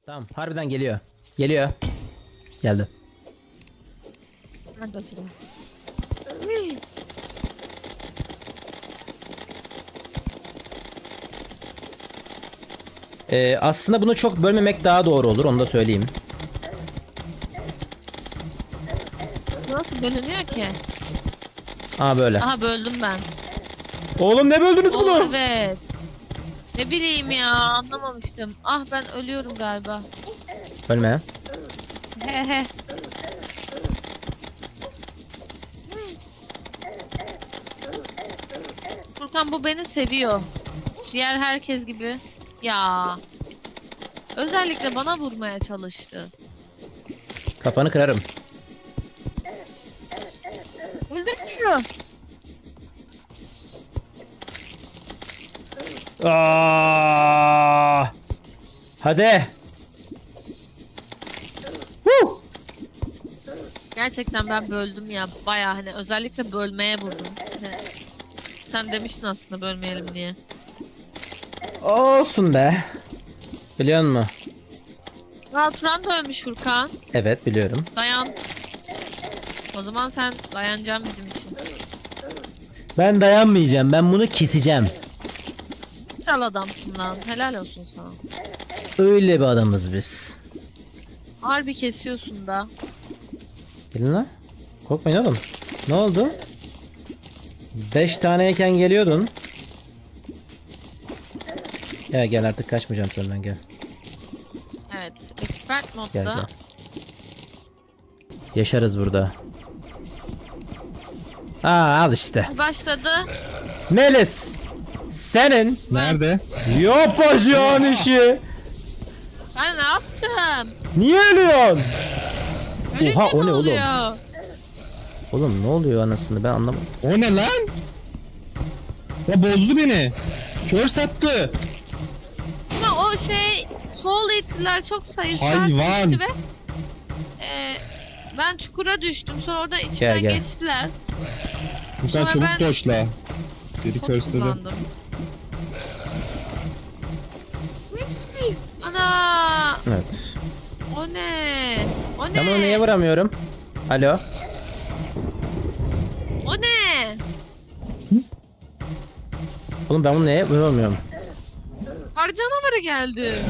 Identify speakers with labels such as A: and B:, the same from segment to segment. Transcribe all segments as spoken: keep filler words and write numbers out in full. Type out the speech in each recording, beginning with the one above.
A: Tamam, harbiden geliyor. Geliyor. Geldi.
B: Hadi oturalım.
A: Ee, aslında bunu çok bölmemek daha doğru olur, onu da söyleyeyim.
B: Nasıl bölünüyor ki?
A: Aa böyle.
B: Aha böldüm ben.
A: Oğlum ne böldünüz
B: Oo,
A: bunu?
B: evet. Ne bileyim ya, anlamamıştım. Ah, ben ölüyorum galiba.
A: Ölme.
B: He he. Furkan, bu beni seviyor. Diğer herkes gibi. Ya. Özellikle bana vurmaya çalıştı.
A: Kafanı kırarım.
B: Öldür şunu.
A: Aa! Hadi. Huh!
B: Gerçekten ben böldüm ya. Baya hani özellikle bölmeye vurdum. Hani sen demiştin aslında bölmeyelim diye.
A: Olsun be. Biliyor musun?
B: Aa, Turan da ölmüş Furkan.
A: Evet, biliyorum.
B: Dayan. O zaman sen dayanacaksın bizim için.
A: Ben dayanmayacağım. Ben bunu keseceğim.
B: Kral adamsın lan. Helal olsun sana.
A: Öyle bir adamız biz.
B: Harbi kesiyorsun da.
A: Gelin lan. Korkmayın oğlum. Ne oldu? Beş taneyken geliyordun. Gel gel, artık kaçmayacağım senden, gel.
B: Evet. Expert modda.
A: Gel gel. Yaşarız burada. Aa, al işte.
B: Başladı.
A: Melis. Senin
C: Nerede?
A: yapacağın işi.
B: Ben ne yaptım?
A: Niye ölüyorsun?
B: Ölünce
A: Oha, o
B: ne
A: ne oğlum?
B: oluyor?
A: Oğlum ne oluyor anasını, ben anlamadım.
C: O ne lan? Ya bozdu beni. Kör sattı.
B: Ama o şey Soul Eater'lar çok sayısı
C: Hayvan.
B: artmıştı ve e, ben çukura düştüm. Sonra orada içimden
A: gel.
B: geçtiler.
C: Furkan
B: Sonra
C: çabuk
B: ben-
C: doşla. Biri
B: Çok
C: körsledi.
B: kullandım. Ana!
A: Evet.
B: O ne? O ne?
A: Ben bunu niye vuramıyorum? Alo.
B: O ne?
A: Oğlum ben bunu niye vuramıyorum?
B: Kar canavarı geldi.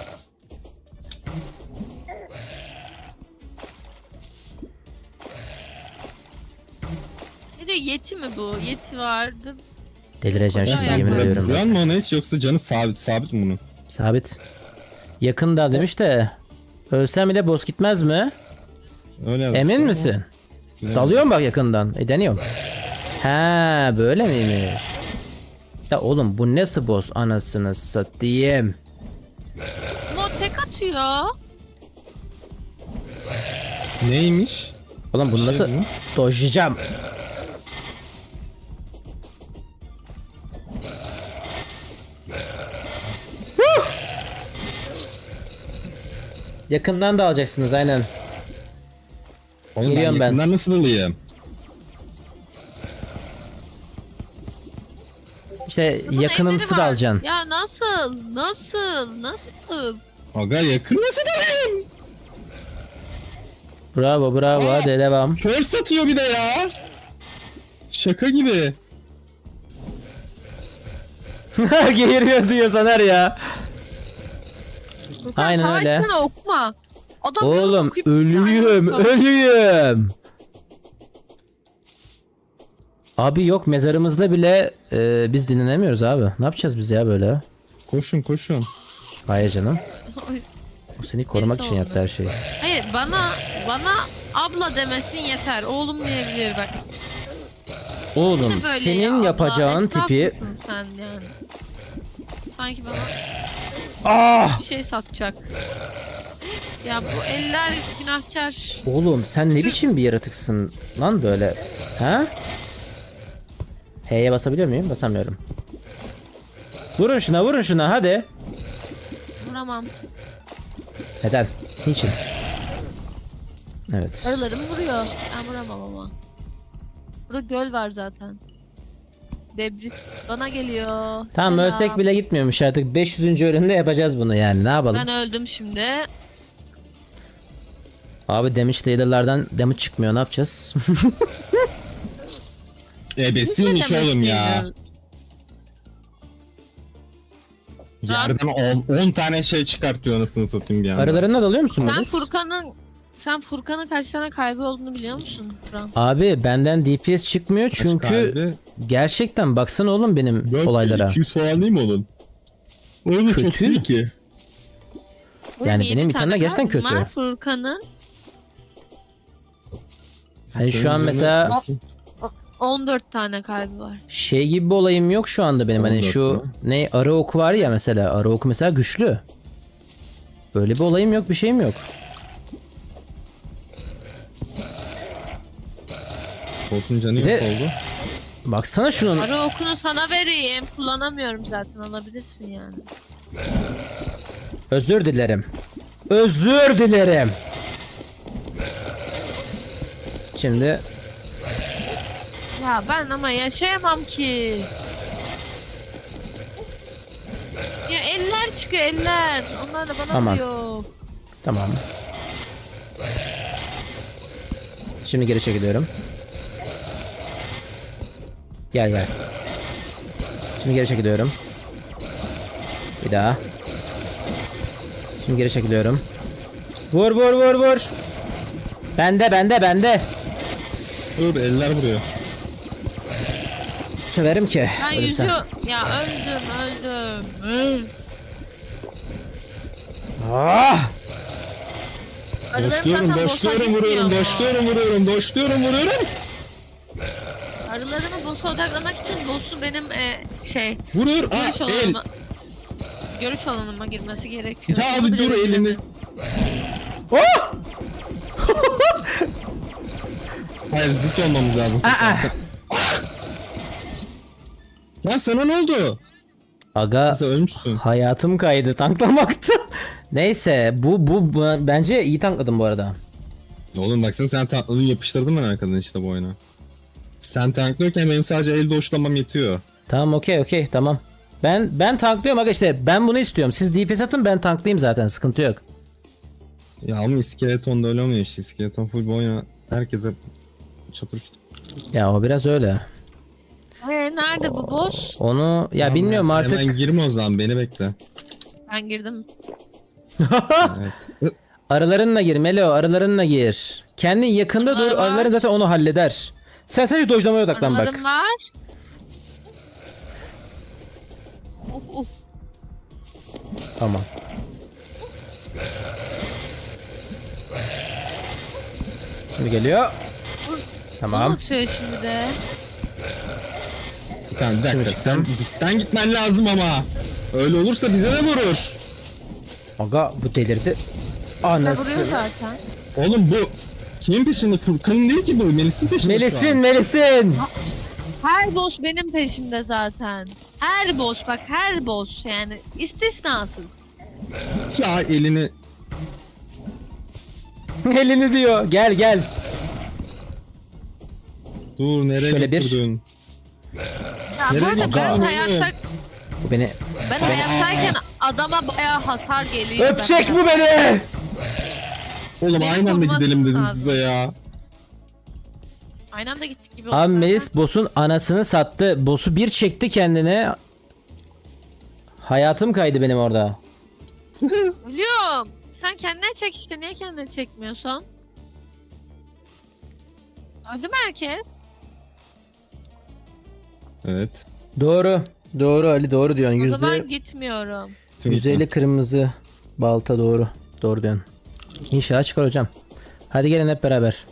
B: Ne diyor, yeti mi bu? Yeti vardı.
A: Delireceğim
B: Koca
A: şimdi,
B: ayak
A: yemin
B: var.
A: ediyorum.
C: Duran
A: Bak.
C: mı ona hiç yoksa canı sabit sabit mi bunun?
A: Sabit. Yakında demiş de. Ölsem bile boss gitmez mi?
C: Öyle yazmış
A: Emin
C: ama
A: misin?
C: bilemedim.
A: Dalıyorum bak yakından. E deniyorum. Ha, böyle miymiş? Ya oğlum bu nasıl boss anasını satayım?
B: Ama o tek atıyor.
C: Neymiş?
A: Oğlum bunu
C: Şey
A: nasıl
C: mi?
A: dojlayacağım? Huh! Yakından da alacaksınız aynen.
C: Oğlum ben
A: Geliyorum ben.
C: yakından nasıl alayım?
A: İşte
B: Bunun
A: yakınımsı
B: elleri
A: da
B: var.
A: alacaksın.
B: Ya nasıl? Nasıl? Nasıl?
C: Aga yakın nasıl alayım?
A: Bravo bravo,
C: Aa!
A: hadi devam.
C: Kör satıyor bir de ya. Şaka gibi.
A: Geğiriyor diyor Soner ya.
B: Furkan,
A: Aynen öyle.
B: savaşsana, okuma. Adam
A: Oğlum
B: yorum okuyup-
A: ölüyüm
B: Aynen, savaş.
A: ölüyüm. Abi yok, mezarımızda bile e, biz dinlenemiyoruz abi. Ne yapacağız biz ya böyle?
C: Koşun koşun.
A: Hayır canım. O seni korumak
B: Birisi
A: için
B: oldu.
A: yaptı her şeyi.
B: Hayır, bana bana abla demesin yeter. Oğlum diyebilir bak.
A: Oğlum
B: Ne böyle
A: senin
B: ya, abla?
A: yapacağın
B: Esnaf
A: tipi...
B: mısın sen yani? Sanki bana
A: Ah!
B: bir şey satacak. Ya bu eller günahkar.
A: Oğlum sen ne biçim bir yaratıksın lan böyle? Ha? H'ye basabiliyor muyum? Basamıyorum. Vurun şuna, vurun şuna, hadi.
B: Vuramam.
A: Neden? Niçin? Evet.
B: Arılarım vuruyor. Ben vuramam ama. Burada göl var zaten. Debris bana geliyor.
A: Tamam
B: Selam.
A: ölsek bile gitmiyormuş artık. beş yüzüncü ölümde yapacağız bunu yani. Ne yapalım?
B: Ben öldüm şimdi.
A: Abi damage dealer'lardan damage çıkmıyor. Ne yapacağız?
C: Ebesiymiş
B: Ne demek
C: oğlum ya.
B: istiyorsunuz?
C: Yerden on tane şey çıkartıyor anasını satayım bir anda.
A: Aralarına dalıyor musun
B: Sen
A: Melis?
B: Furkan'ın sen Furkan'ın kaç tane kaybı olduğunu biliyor musun Furkan?
A: Abi benden D P S çıkmıyor çünkü
C: Kalbi.
A: gerçekten baksana oğlum benim
C: Yok,
A: olaylara.
C: iki yüz falan değil mi onun? Orada çok
A: Kötü.
C: iyi ki.
A: Yani
B: yedi
A: benim bir
B: tane
A: tane gerçekten
B: kaybım
A: kötü.
B: var Furkan'ın
A: Hani şu an mesela
B: on dört tane kaybı var.
A: şey gibi bir olayım yok şu anda benim. Hani
C: on dört
A: şu
C: mü?
A: ne arı oku var ya mesela. Arı oku mesela güçlü. Böyle bir olayım yok, bir şeyim yok.
C: Olsun canı
A: Bir de-
C: yok oldu.
A: Baksana şunun.
B: Ara okunu sana vereyim. Kullanamıyorum zaten, alabilirsin yani.
A: Özür dilerim. Özür dilerim. Şimdi
B: Ya ben ama yaşayamam ki. Ya eller çıkıyor eller. Onlar da bana
A: Aman.
B: diyor.
A: tamam. Şimdi geri çekiliyorum. Gel gel. Şimdi geri çekiliyorum. Bir daha. Şimdi geri çekiliyorum. Vur vur vur vur. Bende bende bende.
C: Dur eller vuruyor.
A: Söverim ki.
B: Ben
A: ölürsem.
B: yüzü... Ya öldüm öldüm.
A: Ah!
B: Arılarım
C: Boşluyorum
B: zaten boşa
C: boşluyorum
B: gitmiyor
C: vuruyorum
B: mu?
C: boşluyorum vuruyorum boşluyorum vuruyorum.
B: Arılarımı boss'a odaklamak için boss'u benim e, şey...
C: Vurur.
B: Görüş
C: Aa el.
B: alanıma... Görüş alanıma girmesi gerekiyor.
C: Ya
B: Onu
C: abi
B: bile
C: dur elini.
B: beceremiyorum.
A: Oh!
C: Hayır zıt olmamız lazım.
A: Aa!
C: Ya sana ne oldu?
A: Aga
C: Sen ölmüşsün.
A: hayatım kaydı tanklamakta. Neyse bu, bu bu bence iyi tankladım bu arada.
C: Oğlum baksana sen tankladın yapıştırdın ben arkadan işte bu oyunu. Sen tanklıyorken benim sadece el doşlamam yetiyor.
A: Tamam okey okey tamam. Ben ben tanklıyorum aga işte ben bunu istiyorum. Siz D P S atın ben tanklayayım zaten sıkıntı yok.
C: Ya ama iskeleton da öyle olmuyor işte. İskeleton full bu oyuna herkese çatır çutur.
A: Ya o biraz öyle.
B: Ee, nerede bu boss?
A: Onu ya
C: Tamam,
A: bilmiyorum
C: hemen-
A: artık.
C: Hemen girme o zaman beni bekle.
B: Ben girdim.
C: Evet.
A: Arılarınla gir Melo arılarınla gir. Kendin yakında dur
B: Arılar var.
A: arıların zaten onu halleder. Sen sadece dojlamaya odaklan bak.
B: Arılarım var. Uh, uh.
A: Tamam. Şimdi geliyor. Tamam.
B: Unutuyor şimdi de.
C: Tamam bir dakika
A: Şimdi
C: sen
A: çıktım.
C: zıttan gitmen lazım ama. Öyle olursa bize de vurur.
A: Aga bu delirdi.
B: Ne vuruyor
A: Anası.
B: zaten.
C: Oğlum bu kimin peşinde? Furkan'ın değil ki bu. Melis'in peşinde şu
A: Melis'in
C: an.
A: Melis'in.
B: Her boss benim peşimde zaten. Her boss bak, her boss yani istisnasız.
C: Ya elini.
A: Elini diyor. Gel gel.
C: Dur nereye
A: Şöyle bir-
C: götürdün?
B: Ya
C: Nereye
B: bu arada
C: gidiyorsun
B: ben
C: oğlum?
B: hayatta
A: Bu beni
B: ben hayattayken adama bayağı hasar geliyor.
A: öpecek
B: ben
A: bu beni.
C: Oğlum
B: Beni
C: aynı anda
B: koruması
C: gidelim dedim
B: lazım.
C: size ya.
B: Aynı anda gittik gibi oldu
A: Abi
B: zaten.
A: Melis boss'un anasını sattı. Boss'u bir çekti kendine. Hayatım kaydı benim orada.
B: Ölüyorum. Sen kendine çek işte, niye kendine çekmiyorsun? Öldü mü herkes?
C: Evet.
A: Doğru. Doğru Ali doğru diyorsun.
B: O zaman
A: Yüzde
B: gitmiyorum.
A: yüzde elli kırmızı balta doğru. Doğru diyorsun. İnşallah çıkar hocam. Hadi gelin hep beraber.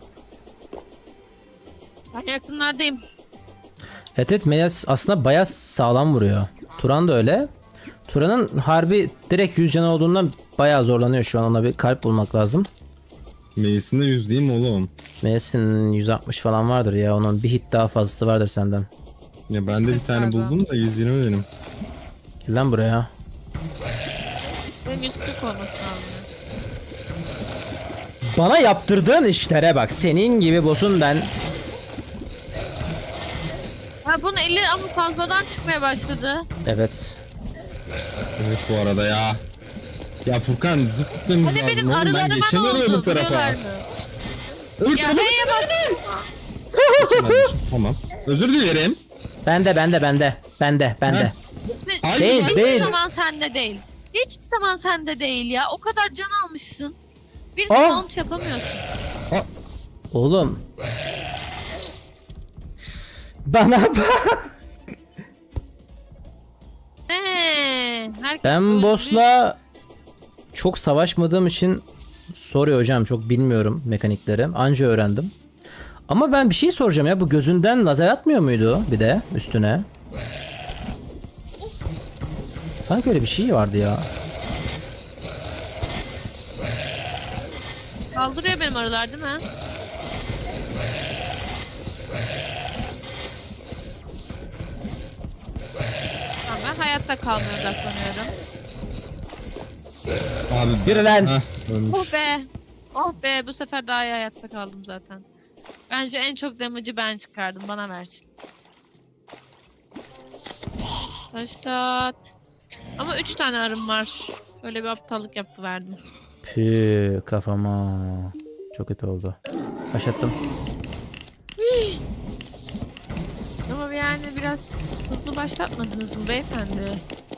B: Ben yakınlardayım.
A: Evet evet Melis aslında bayağı sağlam vuruyor. Turan da öyle. Turan'ın harbi direkt yüz canı olduğundan bayağı zorlanıyor şu an. Ona bir kalp bulmak lazım.
C: Melis'in de yüz değil mi oğlum?
A: Melis'in yüz altmış falan vardır ya. Onun bir hit daha fazlası vardır senden.
C: Ya ben de bir tane
B: Galiba.
C: buldum da yüz yirmi benim.
A: Gel lan buraya.
B: Benim yüz kırk olması lazım.
A: Bana yaptırdığın işlere bak. Senin gibi boss'un ben.
B: Ha bunun eli ama fazladan çıkmaya başladı.
A: Evet.
C: Evet bu arada ya. Ya Furkan zıt gitmemiz
B: Hani
C: lazım
B: benim
C: oğlum. Ben
B: arılarıma ne
C: geçemiyorum
B: oldu?
C: öbür tarafa.
B: Vuruyorlar mı?
C: Öbür
B: Ya
C: tarafa
B: H'ye bas.
C: geçemedim. Tamam. Özür dilerim.
A: Bende bende bende. Bende bende.
B: Hiçbir,
C: Hayır,
A: Değil,
B: hiçbir
A: değil.
B: zaman sende değil. Hiçbir zaman sende değil ya. O kadar can almışsın. Bir
A: Aa!
B: mount yapamıyorsun.
A: Oğlum. Bana bak.
B: Eee, herkes
A: Ben
B: öldü.
A: boss'la çok savaşmadığım için soruyor hocam, çok bilmiyorum mekanikleri. Anca öğrendim. Ama ben bir şey soracağım ya, bu gözünden lazer atmıyor muydu bir de üstüne? Sanki öyle bir şey vardı ya.
B: Saldırıyor benim arılar değil mi? Tamam, ben hayatta kalmaya odaklanıyorum.
C: Abi.
A: Yürü lan.
C: Heh, ölmüş.
B: Oh be. Oh be, bu sefer daha iyi hayatta kaldım zaten. Bence en çok damage'ı ben çıkardım. Bana versin. Taştat. Ama üç tane arım var. Böyle bir aptallık yapıverdim.
A: Pü kafama. Çok kötü oldu. Başlattım.
B: Ama yani biraz hızlı başlatmadınız mı beyefendi?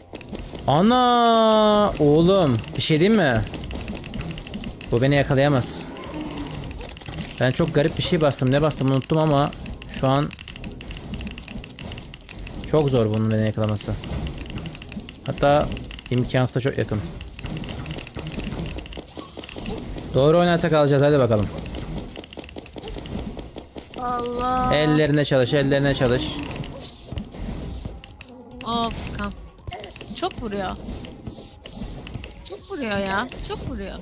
A: Ana oğlum, bir şey diyeyim mi? Bu beni yakalayamaz. Ben çok garip bir şey bastım. Ne bastım unuttum ama şu an çok zor bunun beni yakalaması. Hatta imkansıza çok yakın. Doğru oynarsak alacağız, hadi bakalım.
B: Allah.
A: Ellerine çalış, ellerine çalış.
B: Of kan. Çok vuruyor. Çok vuruyor ya. Çok vuruyor.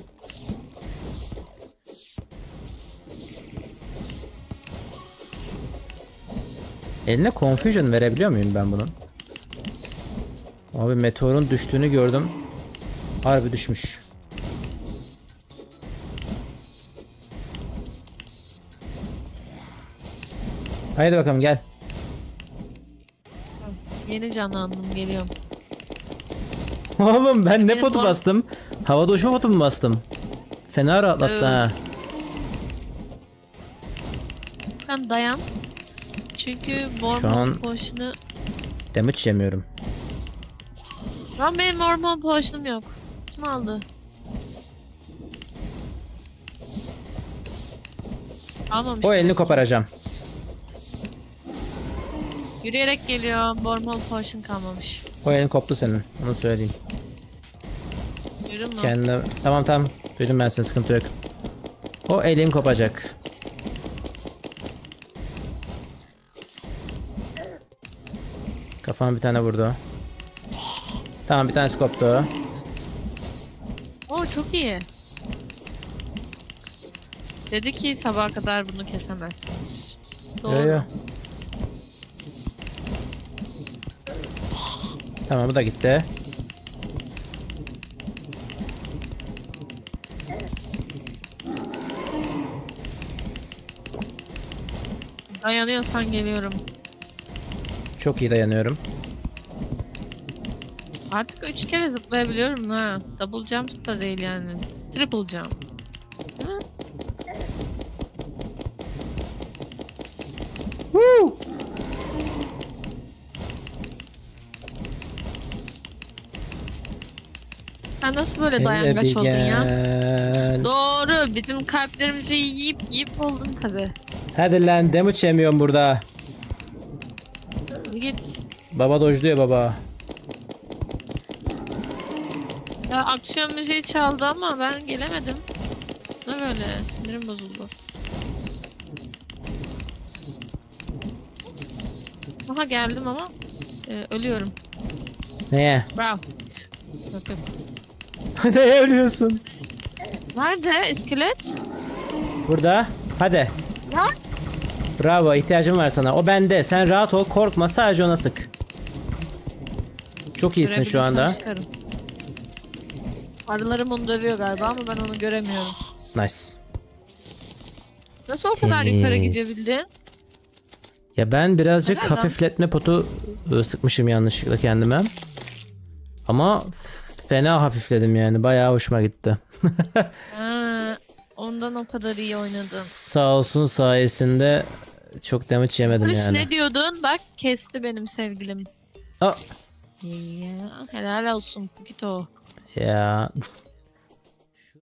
A: Eline confusion verebiliyor muyum ben bunun? Abi meteorun düştüğünü gördüm. Harbi düşmüş. Haydi bakalım gel.
B: Yeni canlandım, geliyorum.
A: Oğlum ben ne
B: Benim
A: potu
B: form-
A: bastım? Havada uçma potu mu bastım? Fena rahatlattı
B: Öf.
A: ha.
B: Kan dayan. Çünkü Mormon
A: an-
B: Potion'u...
A: Damage yemiyorum.
B: Lan benim Mormon Potion'um yok. Kim aldı? Almamış.
A: O elini
B: demek ki.
A: koparacağım.
B: Yürüyerek geliyor. Mormon Potion kalmamış.
A: O elin koptu senin. Onu söyleyeyim.
B: Duydun mu?
A: Kendine... Tamam tamam. Duydum ben seni, sıkıntı yok. O elin kopacak. Kafama bir tane vurdu. Tamam, bir tanesi koptu.
B: Oo çok iyi. Dedi ki sabaha kadar bunu kesemezsiniz. Doğru.
A: Yo, yo. Tamam, bu da gitti.
B: Dayanıyorsan geliyorum.
A: Çok iyi dayanıyorum.
B: Artık üç kere zıplayabiliyorum ha. Double jump da değil yani. Triple jump. Hı?
A: Woo!
B: Sen nasıl böyle
A: Hele
B: dayangaç
A: bir
B: oldun ya?
A: gel.
B: Doğru. Bizim kalplerimizi yiyip yiyip oldun tabi.
A: Hadi lan, damage yemiyorum burada.
B: Git.
A: Baba dojluyor baba.
B: Ya aksiyon müziği çaldı ama ben gelemedim. Ne böyle? Sinirim bozuldu. Aha geldim ama e, ölüyorum.
A: Neye?
B: Bravo. Yok yok.
A: Neye ölüyorsun?
B: Nerede iskelet?
A: Burada. Hadi.
B: Ya
A: Bravo, ihtiyacım var sana. O bende. Sen rahat ol, korkma, sadece ona sık. Çok iyisin şu anda.
B: görebilirsem çıkarım. Arılarım onu dövüyor galiba ama ben onu göremiyorum.
A: Nice.
B: Nasıl o kadar
A: Temiz.
B: yukarı gidebildin?
A: Ya ben birazcık
B: Helal lan.
A: hafifletme potu ıı, sıkmışım yanlışlıkla kendime. Ama fena hafifledim yani. Bayağı hoşuma gitti.
B: Ha, ondan o kadar iyi oynadın.
A: Sağ olsun sayesinde çok damage yemedim
B: Polis
A: yani.
B: ne diyordun? Bak kesti benim sevgilim.
A: Aa,
B: Ya, helal olsun Pukito.
A: ya